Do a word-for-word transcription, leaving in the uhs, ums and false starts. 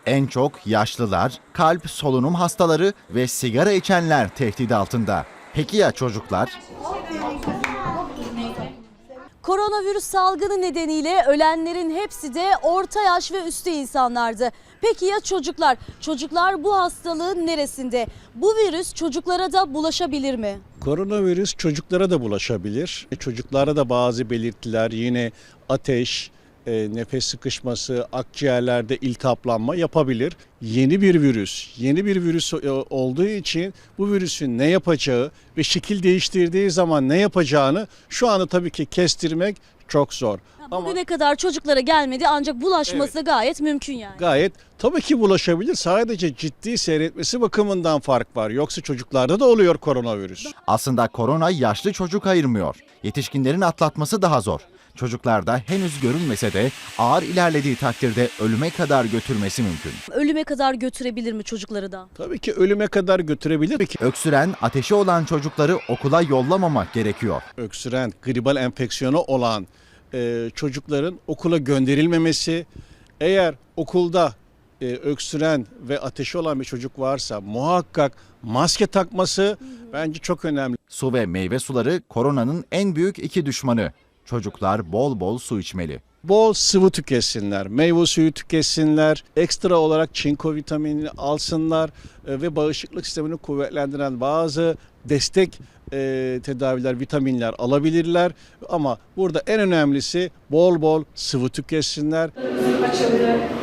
En çok yaşlılar, kalp, solunum hastaları ve sigara içenler tehdit altında. Peki ya çocuklar? Koronavirüs salgını nedeniyle ölenlerin hepsi de orta yaş ve üstü insanlardı. Peki ya çocuklar? Çocuklar bu hastalığın neresinde? Bu virüs çocuklara da bulaşabilir mi? Koronavirüs çocuklara da bulaşabilir. Çocuklara da bazı belirtiler, yine ateş, e, nefes sıkışması, akciğerlerde iltihaplanma yapabilir. Yeni bir virüs, yeni bir virüs e, olduğu için bu virüsün ne yapacağı ve şekil değiştirdiği zaman ne yapacağını şu anda tabii ki kestirmek çok zor. Ama bugüne kadar çocuklara gelmedi ancak bulaşması Evet. gayet mümkün yani. Gayet tabii ki bulaşabilir. Sadece ciddi seyretmesi bakımından fark var. Yoksa çocuklarda da oluyor koronavirüs. Aslında korona yaşlı çocuk ayırmıyor. Yetişkinlerin atlatması daha zor. Çocuklarda henüz görünmese de ağır ilerlediği takdirde ölüme kadar götürmesi mümkün. Ölüme kadar götürebilir mi çocukları da? Tabii ki ölüme kadar götürebilir. Peki Öksüren, ateşi olan çocukları okula yollamamak gerekiyor. öksüren, gribal enfeksiyonu olan e, çocukların okula gönderilmemesi, eğer okulda e, öksüren ve ateşi olan bir çocuk varsa muhakkak maske takması bence çok önemli. Su ve meyve suları koronanın en büyük iki düşmanı. Çocuklar bol bol su içmeli. Bol sıvı tüketsinler, meyve suyu tüketsinler, ekstra olarak çinko vitaminini alsınlar e, ve bağışıklık sistemini kuvvetlendiren bazı destek e, tedaviler, vitaminler alabilirler. Ama burada en önemlisi bol bol sıvı tüketsinler. Açabilir.